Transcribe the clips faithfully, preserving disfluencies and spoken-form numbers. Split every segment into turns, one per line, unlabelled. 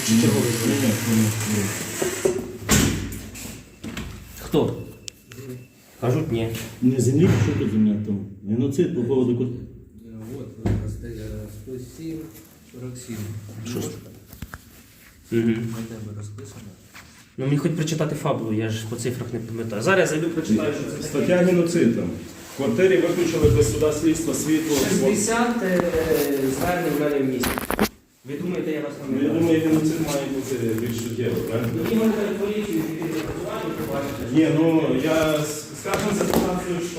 Черговий дзвонок. Хто? Кажуть, ні.
Не землі, що тут земля там? Геноцид по поводу...
Вот, сто сім, сорок сім.
Що ж?
На тебе розписано.
Ну мені хоч прочитати фабулу, я ж по цифрах не пам'ятаю. Зараз я зайду, прочитаю, що це таке.
Стаття геноцид там. В квартирі виключили без суда слідства, світло.
шістдесят е, звернень в мене в місті. Ви думаєте, я вас
Ну, я
пам'ятаю?
думаю, геноцид має бути більш суттєво, правильно?
Мені мене поліцію відпрацювати, побачите.
Ні, ну я скажу за ситуацію йшла.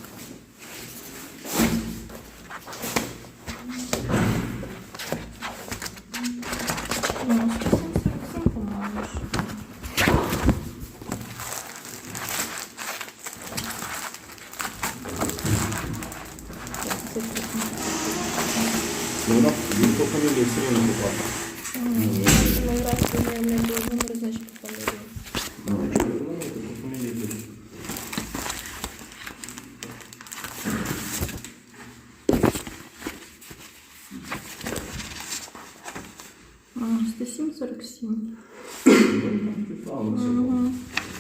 Ну, вона він по фамілії все рівно попав.
Ми раз не не було номер, значить по фамілії.
Ну, якщо ви думаєте, то по фамілії буде.
сто сім сорок сім.
Правильно,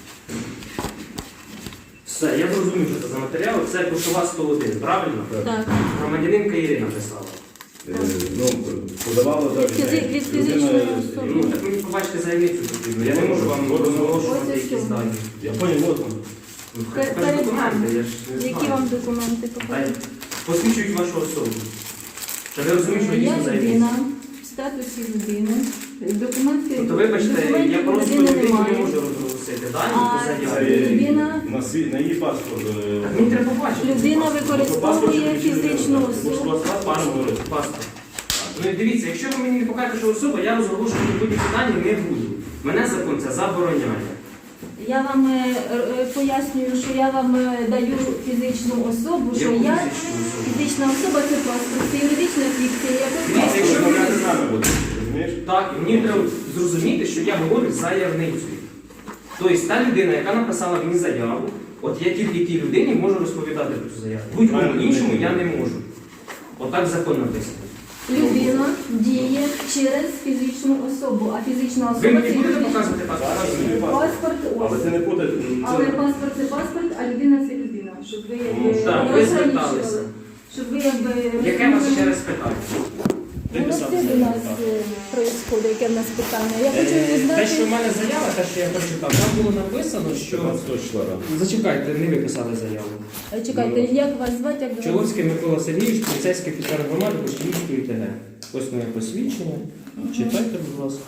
Все, я зрозумів, що це за матеріал. Це Кошова сто один, правильно?
Так.
Громадянинка Ірина писала.
Е, ну, подавала так.
Від- від фізичної особи.
Ну, так мені побачите заявницю потрібно. Я не можу вам розголошувати
Ось
якісь
ось.
дані.
Я понял, вот он.
Ну,
Пер-
хай
перед
документи,
вами.
я ж не
Які
знаю.
вам документи
Хай
покажуть?
посвідчують вашу особу. Щоб ви розуміли, що ви
Я
дійсно заявниця.
людина, в статусі людини. Документи.
Тобто, вибачте,
документів
я просто
людини
людині не
немає.
можу розголосити дані
А,
по
Це
заяві.
людина-
на, свій, на її паспорт. е,
Так мені треба побачити.
Людина
паспорт.
використовує
Паспорт чи
фізичну
людина? Тому що у
особу.
вас паспорт
Паспорт.
говорить.
Паспорт. Ну і дивіться, якщо ви мені не покажете, що особа, я розголошувати будь-які дані не буду. Мене закон це забороняє.
Я вам е, е, пояснюю, що я вам е, даю фізичну особу, що
Яку
я
фізичну особу?
фізична особа це паспорт, це юридична фікція. яку
Дивіться, якщо ви
Розмовляти
мене-
з нами будете, розумієш?
Так, і мені треба зрозуміти, що я говорю з заявницею. Тобто та людина, яка написала мені заяву, от я тільки тій людині можу розповідати про цю заяву. Будь-кому іншому я не можу. Отак закон написано.
Людина діє через фізичну особу, а фізична
Ви
особа
мені
це
будете
юридична.
показувати паспорт?
Паспорт
Але
ось.
це не буде.
Але паспорт це паспорт, а людина це людина. Щоб ви
Ну,
якби
так, ви
розграничували.
зверталися.
Щоб ви якби
Яке у вас ще
розуміли.
раз питання?
Ну, ось це у нас відбувається, яке в нас питання. Я хочу
Е,
узнати.
Те, що в мене заява, те, що я прочитав, там було написано, що...
п'ятнадцятого числа, так.
Зачекайте, не ви писали заяву.
Е, Чекайте, як вас звати, як до вас?
Чоловський Микола Сергійович, поліцейський офіцер громади Бочківської ТГ. Ось моє посвідчення. Читайте, будь ласка.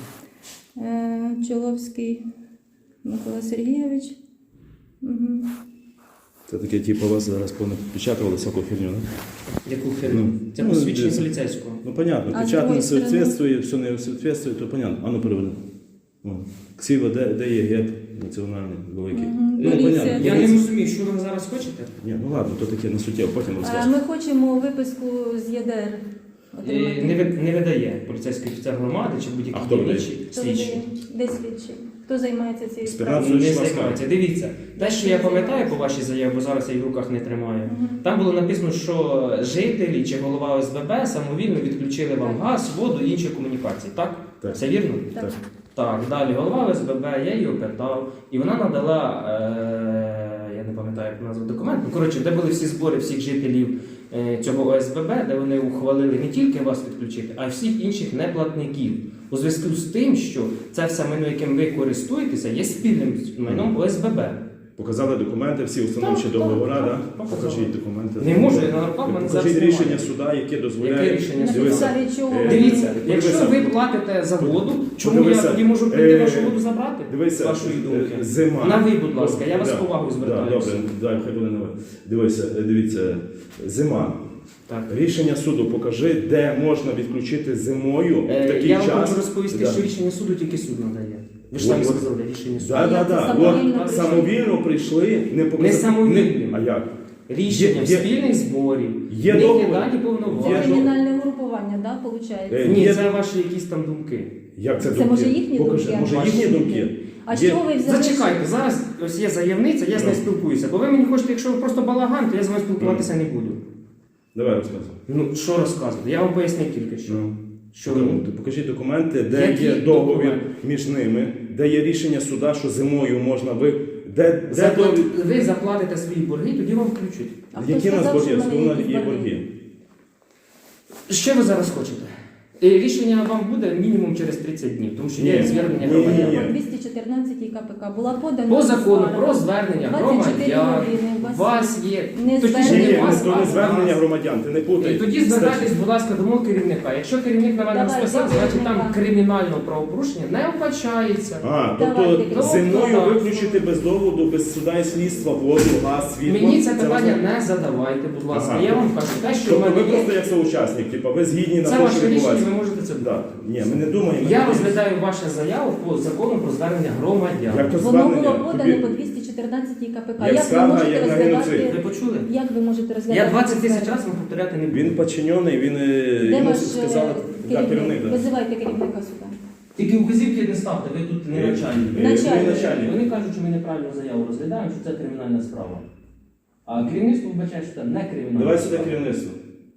Е, Чоловський Микола Сергійович. Угу.
Це таке, типу, вас зараз понапечатували всяку фігню, не?
Яку херню?
Ну,
Це
ну,
посвідчення
десь.
поліцейського.
Ну, понятно,
А з
печать не
другої сторони?
соответствує, все не соответствує, то понятно. А ну переведи. О. Ксіва, де, де є геп національний великий?
Мгм.
Ну,
Поліція.
понятно.
Я не
Поліція.
розумію, що ви зараз хочете?
Ні, ну ладно, то таке не суттєво, потім
Е,
розкажу.
Ми хочемо виписку з ЄДР
Е, Не, ви- не видає поліцейський офіцер громади чи
А
будь-який
хто видає?
інший
Хто
слідчий.
видає? Де слідчий? Хто займається цією
Спецназ.
справою?
Не
числа
займається. Дивіться, те, що я пам'ятаю по вашій заяві, бо зараз я її в руках не тримаю.
Мгм.
Там було написано, що жителі чи голова О С Б Б самовільно відключили вам
Так.
газ, воду і інші комунікації, так?
Так.
Все вірно?
Так.
Так.
Так, далі голова О С Б Б, я її опитав, і вона надала, е, я не пам'ятаю, як назву документ, ну, коротше, де були всі збори всіх жителів е, цього О С Б Б, де вони ухвалили не тільки вас відключити, а й всіх інших неплатників. У зв'язку з тим, що це все майно, яким ви користуєтеся, є спільним майном О С Б Б.
Показали документи, всі установчі
Так,
договори,
так,
так?
так, показали.
Покажіть документи.
Не можу, я на руках в мене зараз
Покажіть
немає.
рішення суда, яке дозволяє.
Яке рішення
На
суду?
Дивися.
підставі чого?
Е,
Дивіться, якщо
Подивися.
ви платите за воду, чому я
Подивися.
тоді можу прийти
Е,
вашу воду забрати?
Дивися,
з вашої думки.
е, зима.
На ви, будь ласка, я вас
Да,
з повагою
да,
звертаюся.
Добре, дай, хай буде на ви. Дивися, е, дивіться, зима.
Так.
Рішення суду покажи, де можна відключити зимою в
Е,
такий
Я вам
час.
хочу розповісти,
Да.
що рішення суду тільки суд надає. Ви ж
От,
самі
от.
сказали, рішення суду.
Так, так,
Як це
так.
самовільно
От
прийшли?
самовільно прийшли, не показали.
Не самовільно.
Не- А як?
Рішення
Є-
спільних зборів,
є
в них є
договір.
дані
Це
повноваження.
Є
кримінальне групування, да, виходить?
Е,
Ні,
Є-
це ваші якісь там думки.
Як це,
Це
думки?
може їхні
Покажи,
думки?
Може
Ваші
їхні
думки.
думки?
А
Є-
що ви взяли?
Зачекайте, зараз ось є заявниця, я з нею спілкуюся. Бо ви мені хочете, якщо ви просто балаган, то я з вами спілкуватися не буду.
Давай розказуй.
Ну, що розказувати? Я вам пояснив тільки що.
Ну.
Що
Ну,
ви?
то покажіть документи, де
Які
є договір
документи?
між ними, де є рішення суда, що зимою можна ви. Де, де
Заплат-
договір?
Ви заплатите свої борги, тоді вам включать.
А хто
Які в нас
сказав,
борги?
що в мене
Основна
якісь
є
борги?
борги.
Що ви зараз хочете? І рішення вам буде мінімум через тридцять днів, тому що є
Ні,
звернення
ні, ні,
громадян.
ні.
По двісті чотирнадцятій КПК була подана
По закону
скарга.
про звернення
двадцять чотири
громадян
години у
у
вас
вас є.
не
Точніше,
звернення.
Ні,
не у вас,
то
а
не
у
звернення
нас.
громадян, ти не путай.
І тоді звертайтесь, будь ласка, до мого керівника. Якщо керівник на мене
Давай,
списав,
до
значить там
керівника.
кримінального правопорушення не вбачається.
А,
Давайте,
тобто
керівник.
зимою
Тобто,
виключити без доводу, без суда і слідства, воду, газ, світло.
Мені це питання
можна?
не задавайте, будь ласка.
Ага.
Я вам кажу, те, що в
Тобто ви
мене
просто
є,
як соучасник, типу, ви згідні на
це
те,
ваше
що
рішення,
відбувається.
ви можете це
Да.
брати.
Ні, ми не думаємо.
Я
ми-
розглядаю вашу заяву по закону про звернення громадян.
Як то
Воно
звернення?
було подане
Тобі-
по двісті чотирнадцятій КПК.
Як
Як ви
скарга,
можете
як на
розглядати?
геноцид.
Ви почули?
Як ви можете розглядати?
Я двадцять тисяч
скаргу?
разів вам повторяти не буду.
Він підчинений, він е,
Де
йому
ваш
сказали,
е,
да,
керівник?
керівник. Да.
Визивайте керівника сюди.
Тільки указівки не ставте, ви тут не
Е,
начальник.
е,
Начальник.
ви начальник.
Вони кажуть, що ми неправильно заяву розглядаємо, що це кримінальна справа. А керівництво вбачає, що це не кримінальна
Давай сюди
справа.
керівництво.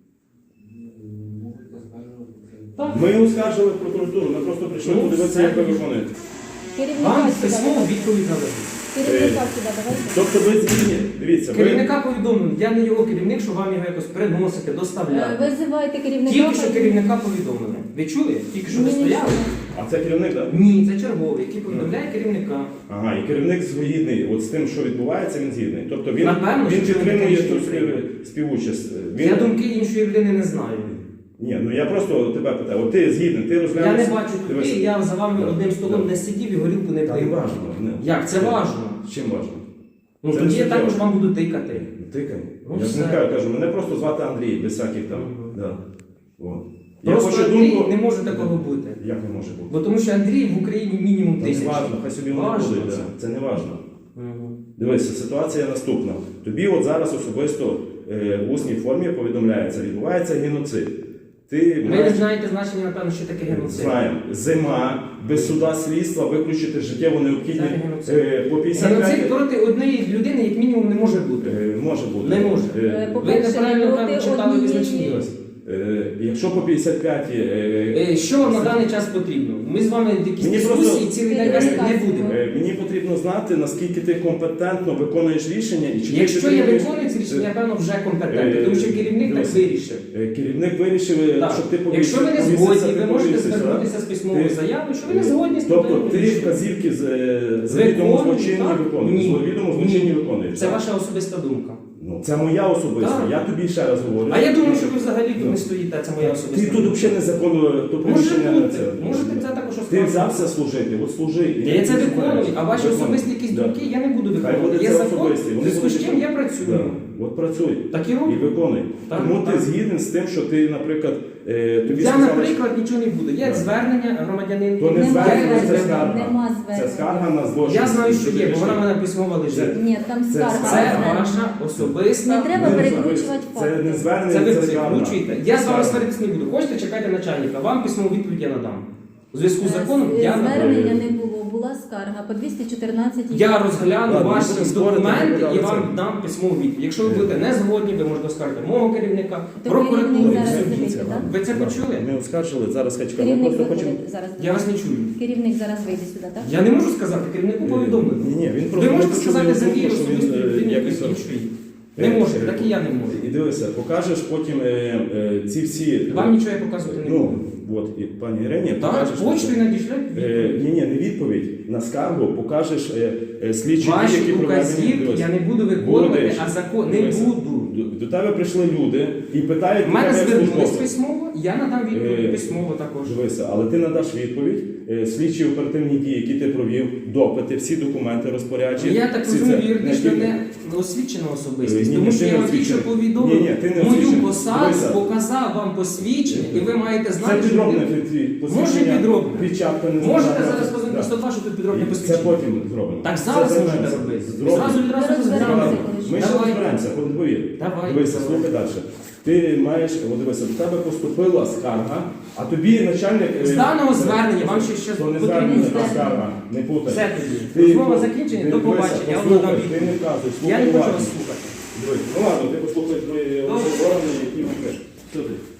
Так.
Ми оскаржили в прокуратуру, ми просто прийшли
Ну,
подивитися,
все.
як ви виконуєте.
Керівника
Вам
сюди.
письмово
давайте.
відповідь нададуть.
Керівника сюди, давайте.
Тобто ви згідні, дивіться, ви...
Керівника повідомлено, я не його керівник, що вам його якось приносити,
Е,
доставляти.
Визивайте керівника.
Тільки що
хай-
керівника повідомлено. Ви чули? Тільки що ви
Ні, ні,
стояли?
А це керівник, так?
Ні, це черговий, який повідомляє керівника.
Ага, і керівник згідний, от з тим, що відбувається, він згідний. Тобто він,
Напевно,
він
що
підтримує
керівник
ту
рішення
спів- співучасть. Він...
Я думки іншої людини не знаю.
Ні, ну я просто тебе питаю, от ти згідний, ти розглянеш...
Я не бачу
Дивись.
туди, я за вами
Да,
одним столом
да.
не сидів і горілку не
Та не
пив.
важно. Не.
Як? Це важно.
Чим важно?
Ну
Це
тоді
не
я також
суттєво.
вам буду тикати.
Тикай.
Ну,
я ж не
все.
кажу, кажу, мене просто звати Андрій, без всяких там.
Мгм.
Да. От. Я
Просто
хочу
Андрій
думку...
не може такого бути.
Як не може бути?
Бо тому що Андрій в Україні мінімум
Та не
тисяча.
важно, хай собі воно
Важно
буде.
це.
Да. Це не важно.
Мгм.
Дивися, ситуація наступна. Тобі от зараз особисто е, в усній формі повідомляється, відбувається геноцид. Ти
Ви не
маєш-
знаєте значення, напевно, що таке геноцид.
Знаємо, зима, без суда слідства виключити життєво необхідні
Це геноцид.
е, по п'ятдесят
Геноцид
п'ять...
проти однієї людини, як мінімум, не може бути.
Е, може бути.
Не може.
Е,
Е,
Ви
По-перше,
неправильно
проти
певно, читали
однієї-
визначення.
ось, е, якщо по п'ятдесят п'ять... Е,
Е, Що вам на даний час потрібно? Ми з вами якісь
Мені
дискусії
просто-
цілий день вести не будемо.
е, мені потрібно знати, наскільки ти компетентно виконуєш рішення і чи ти
Якщо я
підтримуєш-
виконую ці рішення, я певно вже компетентний,
Е,
тому що керівник так
дивись.
вирішив.
Е, Керівник вирішив, е,
Так.
щоб ти повісив-
Якщо ви не
повісився,
згодні,
ти
ви можете
повісився,
звернутися з письмовою
Ти-
заявою, що ви не згодні з
Тобто
таким
ти
рішенням.
вказівки з е, завідомо
Виконую,
злочинні
так?
виконуєш.
Ні.
Завідомо злочинні
Ні.
виконуєш.
Це
так?
ваша особиста думка.
Ну, це моя особиста.
Так.
Я тобі ще раз говорю.
А я думаю, що ви взагалі тут
Ну.
не стоїте, це моя
Ти
особиста
тут
думка.
взагалі незаконно то
Може
приміщення не
бути,
це.
можете це також
Ти
оскаржити.
взявся служити, от служи. і
Я це
ти
виконую,
знаєш.
а ваші
Виконуй.
особисті якісь
Да.
думки я не буду
Хай
виконувати.
буде
Є
це
закон,
особисті.
в
Вони
зв'язку з
будуть
чим я
Да.
працюю.
От працюй.
Так і
І
роблю.
виконуй.
Так,
Тому
так.
ти згіден з тим, що ти, наприклад, е, тобі
Я,
сказали,
наприклад, нічого не буду. Є
Да.
звернення громадянин.
То не
Нема
звернення, це
звернення,
скарга.
нема
Це
звернення.
скарга на злочин.
Я знаю, що є, бо вона в
Це-
мене письмово лежить.
Ні, там
Це
скарга.
Це
скарга.
ваша особиста.
Не треба
Не
перекручувати
Це не
факти.
звернення,
Це ви
це скарга.
перекручуєте. Я з вами
Скарга.
сваритись не буду. Хочете, чекайте начальника. Вам письмову відповідь я надам. У зв'язку з законом
Е,
я надам.
Звернення не було, була скарга по двісті чотирнадцятій.
Я розгляну
Ладно,
ваші
будемо спорити,
документи
будемо
і вам
це.
дам письмову відповідь. Якщо ви
Е.
будете не згодні, ви можете оскаржити мого керівника,
То
прокуратуру.
керівник
і
зараз
все.
вийде, так?
Ви це почули?
Ми оскаржили, зараз хай чекаємо. Ми
Керівник
просто хочемо...
виходить зараз. до
Я
нас.
вас не чую.
Керівник зараз вийде сюди, так?
Я не можу сказати, керівнику повідомлено.
Ні, ні, він
Ви
просто
можете
ми
сказати
почули
за
думку,
мій
що він,
особистий
е,
людині
якось-
якоїсь іншої. Не
Е,
може,
е,
так і я не можу.
І дивися, покажеш потім е, е, ці всі...
Вам нічого я показувати не
Ну,
буду.
от, і пані Ірині,
Так,
покажеш...
почтою надішлять
Е,
відповідь.
ні, ні, не відповідь. На скаргу покажеш е, е, слідчі дії,
Ваші
які проведені.
указівки
Дивись.
я не буду виконувати,
Будеш.
а закон не
Дивися.
буду.
До, до тебе прийшли люди і питають
У мене
тебе як
звернулись
службовця.
письмово, я надам
Е,
відповідь письмово також.
Дивися, але ти надаш відповідь, е, слідчі оперативні дії, які ти провів, допити, всі документи розпоряджені.
Я так
всі
розумію,
це-
юридично
тільки-
не освічена
Е,
особистість,
ні,
тому
ні,
що
ти
я
не
вам тільки що
освічений.
повідомив
Ні, ні, ти не
мою
освічений.
посаду,
Дивися.
показав вам посвідчення, і ви маєте
Це
знати, що
підробне
ви-
твій
Може
посвідчення,
підробне.
печатка не
можете
знаю,
зараз
це-
позвонити
да.
сто два, що тут підробне
І Це
посвідчення.
потім зробимо.
Так
Це
зараз можете
займемося.
робити.
Зробимо.
Зразу відразу
Ми
розглянемо.
розберемося.
Ми ще
Давай.
розберемося, повір.
Давай.
Дивися,
Давай.
слухай далі. Ти маєш, от дивися, до тебе поступила скарга, а тобі начальник... е,
З даного звернення вам ще щось
То не
потрібно
звернення,
звернення.
а скарга, не путай.
Все тоді.
Ти-
Розмова закінчена,
ти
до
дивися,
побачення. Я вам
послухай,
надам
Ти
відповідь.
не вказуй,
Я
слухай
не хочу
уважно.
вас слухати.
Дивись, ну ладно, ти послухай твої
Добре.
органи, які вони. Що ти?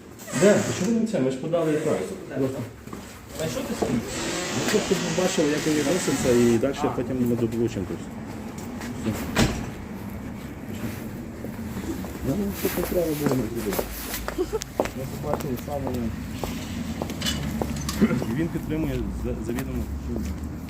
Де? Чому не це? Ми ж подали і так.
А що ти собі?
Ну, щоб ви бачили, як він відноситься, і далі потім ми дополучимо. Ну, що треба було не зробити. Ми побачили саме. І він підтримує завідомо.